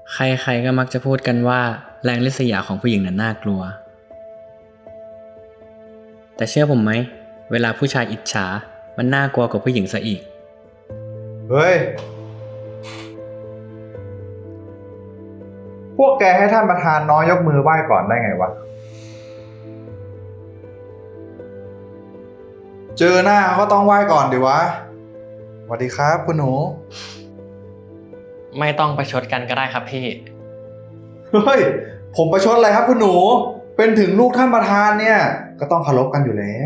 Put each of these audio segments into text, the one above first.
ใครๆก็มักจะพูดกันว่าแรงริษยาของผู้หญิงนั้นน่ากลัว แต่เชื่อผมไหมเวลาผู้ชายอิจฉามันน่ากลัวกว่าผู้หญิงซะอีกเฮ้ย พวกแกให้ท่านประธานน้อยยกมือไหว้ก่อนได้ไงวะ เจอหน้าก็ต้องไหว้ก่อนดิวะสวัสดีครับคุณหนูไม่ต้องประชดกันก็ได้ครับพี่เฮ้ย ผมประชดอะไรครับคุณหนู เป็นถึงลูกท่านประธานเนี่ย ก็ต้องเคารพกันอยู่แล้ว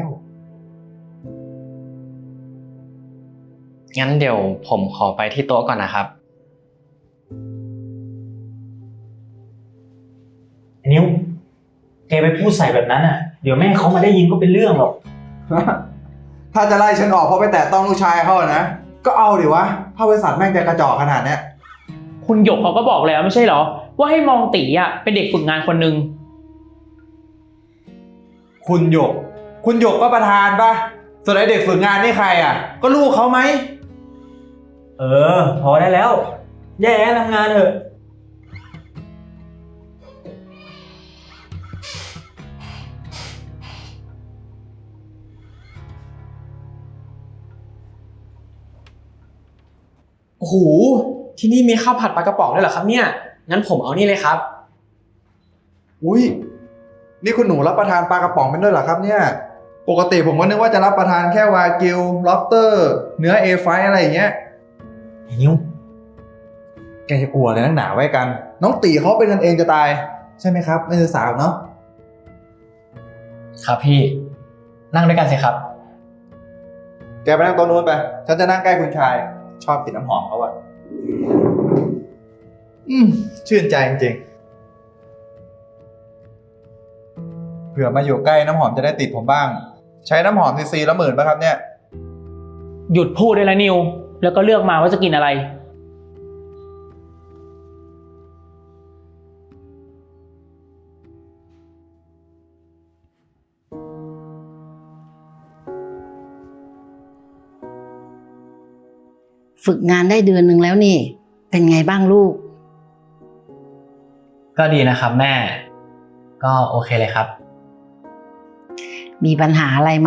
งั้นเดี๋ยวผมขอไปที่โต๊ะก่อนนะครับนิ้วแกไปพูดใส่แบบนั้นอ่ะเดี๋ยวแม่เขามาได้ยินก็เป็นเรื่องหรอกถ้าจะไล่ฉันออกเพราะไปแตะต้องลูกชายเขาอะนะ ก็เอาดิวะ ถ้าบริษัทแม่งจะกระจอกขนาดเนี้ยคุณหยกเขาก็บอกแล้วไม่ใช่เหรอว่าให้มองตีอ่ะเป็นเด็กฝึกงานคนหนึ่งคุณหยก คุณหยกก็ประธานปะส่วนไอเด็กฝึกงานนี่ใครอ่ะ ก็ลูกเขาไหมเออพอได้แล้วแย่ทำงานเถอะโอ้โห ที่นี่มีข้าวผัดปลากระป๋องด้วยเหรอครับเนี่ย งั้นผมเอานี่เลยครับอุ้ย นี่คุณหนูรับประทานปลากระป๋องเป็นด้วยเหรอครับเนี่ย ปกติผมก็นึกว่าจะรับประทานแค่วากิว ล็อบสเตอร์ เนื้อเอไฟอะไรอย่างเงี้ยไอ้นิ้วแกจะกลัวอะไรนักหนาไว้กัน น้องตีเขาเป็นกันเองจะตาย ใช่ไหมครับ ไม่ใช่สาวเนาะครับพี่ นั่งด้วยกันสิครับแกไปนั่งโต๊ะนู้นไป ฉันจะนั่งใกล้คุณชาย ชอบกลิ่นน้ำหอมเขาอะชื่นใจจริงๆเผื่อมาอยู่ใกล้น้ำหอมจะได้ติดผมบ้าง ใช้น้ำหอมซีละ10,000ป่ะครับเนี่ยหยุดพูดได้แล้วนิวแล้วก็เลือกมาว่าจะกินอะไรฝึกงานได้เดือนหนึ่งแล้วนี่ เป็นไงบ้างลูกก็ดีนะครับแม่ ก็โอเคเลยครับมีปัญหาอะไรไหม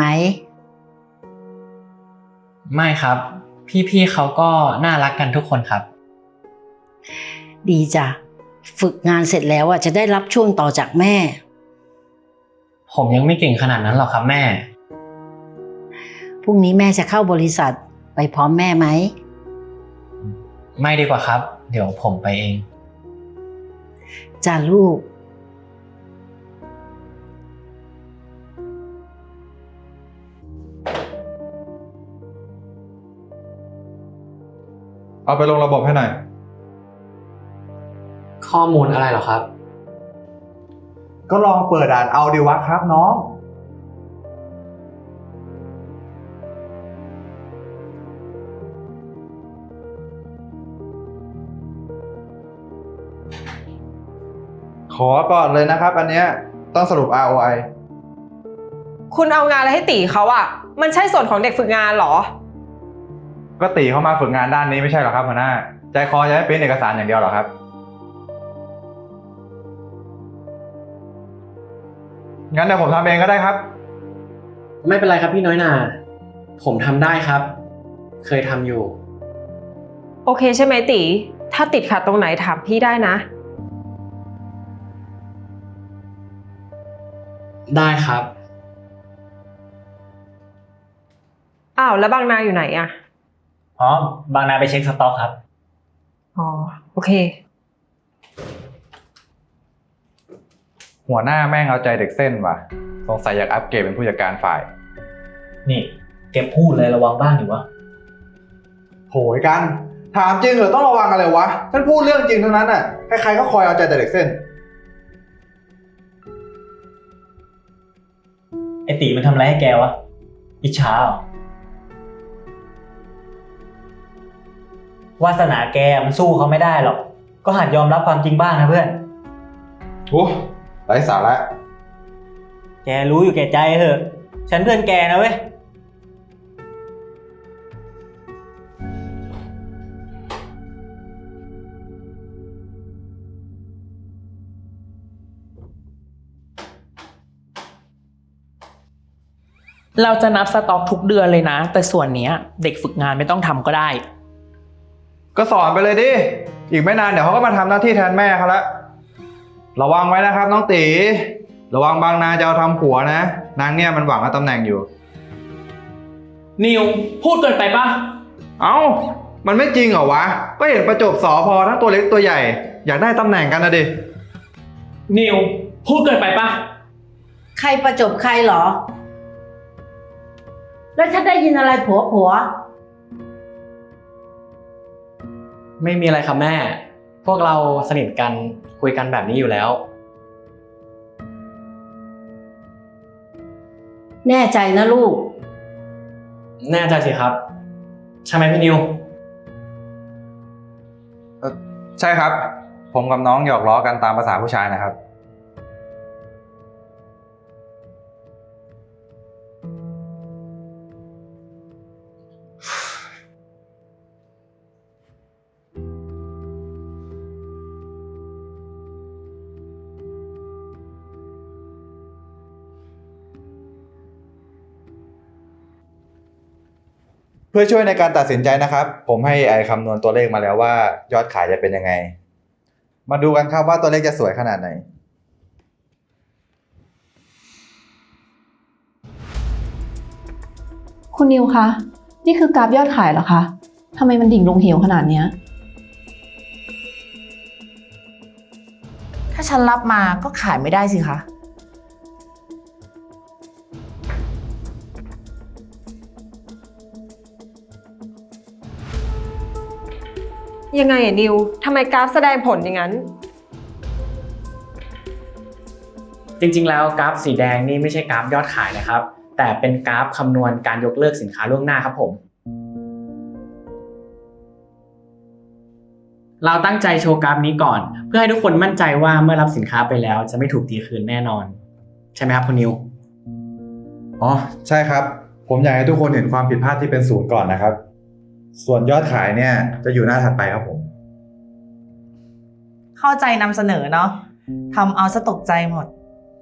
ไม่ครับ พี่ๆเขาก็น่ารักกันทุกคนครับดีจ้ะ ฝึกงานเสร็จแล้วจะได้รับช่วงต่อจากแม่ผมยังไม่เก่งขนาดนั้นหรอกครับแม่พรุ่งนี้แม่จะเข้าบริษัทไปพร้อมแม่ไหมไม่ดีกว่าครับ เดี๋ยวผมไปเองจ้ะลูกเอาไปลงระบบให้หน่อยข้อมูลอะไรเหรอครับก็ลองเปิดอ่านเอาดีวะครับน้อง ขอก่อนเลยนะครับ อันเนี้ยต้องสรุป ROI คุณเอางานอะไรให้ตีเขาอะมันใช่ส่วนของเด็กฝึกงานเหรอก็ตีเข้ามาฝึกงานด้านนี้ไม่ใช่หรอครับหัวหน้า ใจคอจะให้เป็นเอกสารอย่างเดียวหรอครับ งั้นเดี๋ยวผมทำเองก็ได้ครับไม่เป็นไรครับพี่น้อยนา ผมทำได้ครับ เคยทำอยู่โอเคใช่ไหมตี ถ้าติดขัดตรงไหนถามพี่ได้นะได้ครับอ้าวแล้วบางนาอยู่ไหนอะอ๋อบางนาไปเช็คสต็อกครับอ๋อโอเคหัวหน้าแม่งเอาใจเด็กเส้นว่ะ สงสัยอยากอัปเกรดเป็นผู้จัดการฝ่ายนี่แกพูดเลยระวังบ้างดิวะโหยกัน ถามจริงเหรอต้องระวังอะไรวะฉันพูดเรื่องจริงทั้งนั้นอ่ะ ใครๆก็คอยเอาใจแต่เด็กเส้นไอตีมันทำอะไรให้แกวะอิจฉาเหรอวาสนาแกมันสู้เขาไม่ได้หรอก ก็หัดยอมรับความจริงบ้างนะเพื่อนโอ้ไร้สาระแกรู้อยู่แก่ใจเถอะ ฉันเพื่อนแกนะเว้ยเราจะนับสต็อกทุกเดือนเลยนะ แต่ส่วนเนี้ยเด็กฝึกงานไม่ต้องทำก็ได้ก็สอนไปเลยดิ อีกไม่นานเดี๋ยวเขาก็มาทำหน้าที่แทนแม่เขาละระวังไว้นะครับน้องตีระวังบางนาจะเอาทำผัวนะ นางเนี่ยมันหวังเอาตำแหน่งอยู่นิวพูดเกินไปปะเอ้า มันไม่จริงเหรอวะ ก็เห็นประจบสอพอทั้งตัวเล็กตัวใหญ่ อยากได้ตำแหน่งกันนะดินิวพูดเกินไปปะใครประจบใครเหรอ แล้วฉันได้ยินอะไรผัวไม่มีอะไรครับแม่ พวกเราสนิทกันคุยกันแบบนี้อยู่แล้วแน่ใจนะลูกแน่ใจสิครับ ใช่ไหมพี่นิวใช่ครับ ผมกับน้องหยอกล้อกันตามภาษาผู้ชายนะครับ เพื่อช่วยในการตัดสินใจนะครับ ผมให้ AI คำนวณตัวเลขมาแล้วว่ายอดขายจะเป็นยังไง มาดูกันครับว่าตัวเลขจะสวยขนาดไหนคุณนิวคะ นี่คือกราฟยอดขายเหรอคะ ทำไมมันดิ่งลงเหวขนาดเนี้ยถ้าฉันรับมาก็ขายไม่ได้สิคะยังไงอะนิวทำไมกราฟแสดงผลอย่างนั้นจริงๆแล้วกราฟสีแดงนี่ไม่ใช่กราฟยอดขายนะครับ แต่เป็นกราฟคำนวณการยกเลิกสินค้าล่วงหน้าครับผม เราตั้งใจโชว์กราฟนี้ก่อน เพื่อให้ทุกคนมั่นใจว่าเมื่อรับสินค้าไปแล้วจะไม่ถูกตีคืนแน่นอน ใช่ไหมครับคุณนิวอ๋อ ใช่ครับ ผมอยากให้ทุกคนเห็นความผิดพลาดที่เป็นศูนย์ก่อนนะครับ ส่วนยอดขายเนี่ยจะอยู่หน้าถัดไปครับผมเข้าใจนำเสนอเนาะทำเอาซะตกใจหมด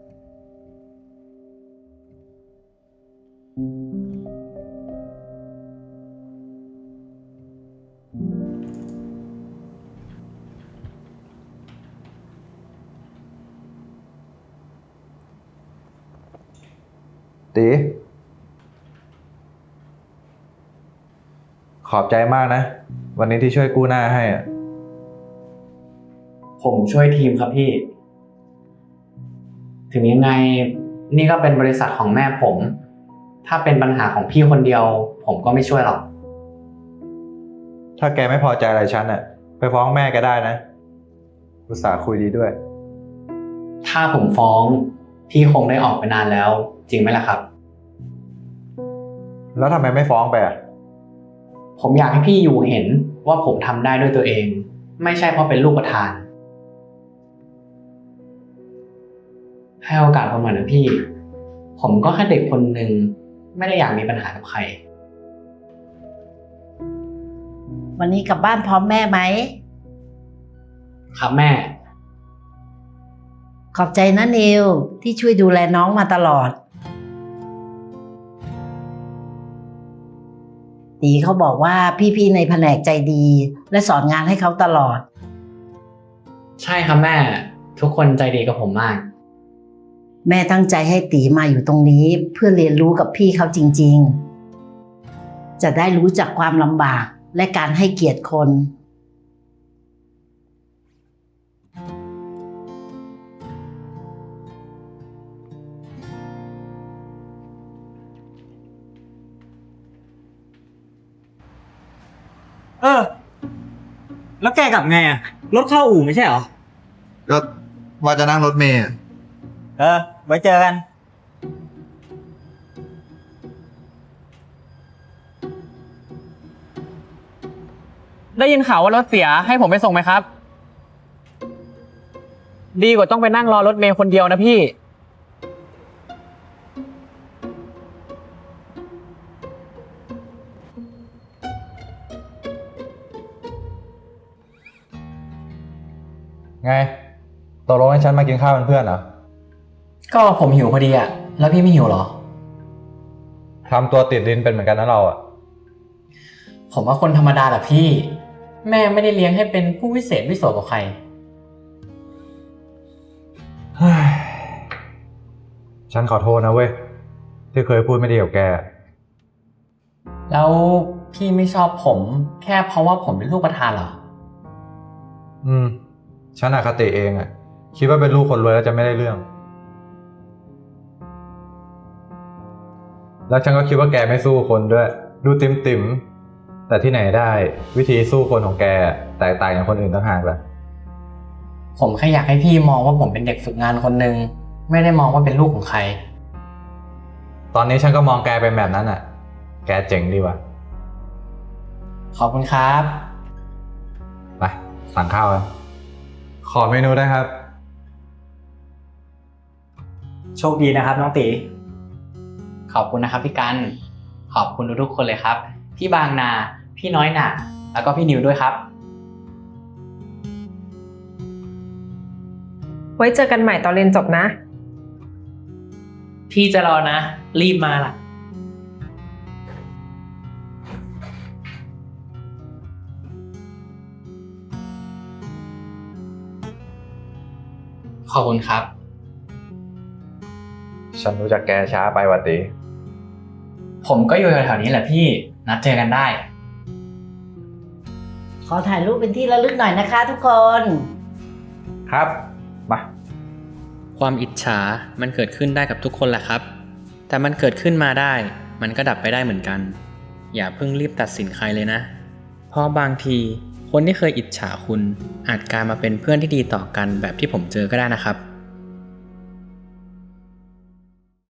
ตีขอบใจมากนะ วันนี้ที่ช่วยกู้หน้าให้อะผมช่วยทีมครับพี่ ถึงยังไงนี่ก็เป็นบริษัทของแม่ผม ถ้าเป็นปัญหาของพี่คนเดียว ผมก็ไม่ช่วยหรอกถ้าแกไม่พอใจอะไรฉันอะไปฟ้องแม่แกได้นะอุตส่าห์คุยดีด้วยถ้าผมฟ้องพี่คงได้ออกไปนานแล้ว จริงไหมล่ะครับแล้วทำไมไม่ฟ้องไปอะผมอยากให้พี่อยู่เห็นว่าผมทำได้ด้วยตัวเอง ไม่ใช่เพราะเป็นลูกประธาน ให้โอกาสผมหน่อยนะพี่ ผมก็แค่เด็กคนหนึ่งไม่ได้อยากมีปัญหากับใครวันนี้กลับบ้านพร้อมแม่ไหมครับแม่ขอบใจนะนิวที่ช่วยดูแลน้องมาตลอด ตีเขาบอกว่าพี่ๆในแผนกใจดี และสอนงานให้เขาตลอดใช่ครับแม่ ทุกคนใจดีกับผมมากแม่ตั้งใจให้ตีมาอยู่ตรงนี้เพื่อเรียนรู้กับพี่เขาจริงๆ จะได้รู้จักความลำบากและการให้เกียรติคนแล้วแกกลับไงอะรถเข้าอู่ไม่ใช่เหรอก็ว่าจะนั่งรถเมล์ไว้เจอกันได้ยินข่าวว่ารถเสียให้ผมไปส่งไหมครับ ดีกว่าต้องไปนั่งรอรถเมล์คนเดียวนะพี่ไงตกลงให้ฉันมากินข้าวเป็นเพื่อนเหรอก็ผมหิวพอดีอะแล้วพี่ไม่หิวเหรอทำตัวติดดินเป็นเหมือนกันนะเราอะผมว่าคนธรรมดาแหละพี่ แม่ไม่ได้เลี้ยงให้เป็นผู้วิเศษวิโสกับใครฉันขอโทษนะเว้ย ที่เคยพูดไม่ดีกับแกแล้วพี่ไม่ชอบผมแค่เพราะว่าผมเป็นลูกประธานเหรอฉันอคติเองอะคิดว่าเป็นลูกคนรวยแล้วจะไม่ได้เรื่อง แล้วฉันก็คิดว่าแกไม่สู้คนด้วย ดูติ่มๆแต่ที่ไหนได้วิธีสู้คนของแกแตกต่างจากคนอื่นต่างหากล่ะผมแค่อยากให้พี่มองว่าผมเป็นเด็กฝึกงานคนหนึ่งไม่ได้มองว่าเป็นลูกของใครตอนนี้ฉันก็มองแกเป็นแบบนั้นอะแกเจ๋งดีว่ะขอบคุณครับไปสั่งข้าวกันขอเมนูได้ครับโชคดีนะครับน้องตีขอบคุณนะครับพี่กัน ขอบคุณทุกๆคนเลยครับ พี่บางนา พี่น้อยหนาแล้วก็พี่นิวด้วยครับไว้เจอกันใหม่ตอนเรียนจบนะพี่จะรอนะ รีบมาล่ะขอบคุณครับฉันรู้จักแกช้าไปว่ะตีผมก็อยู่แถวๆนี้แหละพี่ นัดเจอกันได้ขอถ่ายรูปเป็นที่ระลึกหน่อยนะคะทุกคนครับมาความอิจฉา มันเกิดขึ้นได้กับทุกคนแหละครับ แต่มันเกิดขึ้นมาได้ มันก็ดับไปได้เหมือนกัน อย่าเพิ่งรีบตัดสินใครเลยนะ เพราะบางทีคนที่เคยอิจฉาคุณอาจกลายมาเป็นเพื่อนที่ดีต่อกันแบบที่ผมเจอก็ได้นะครับ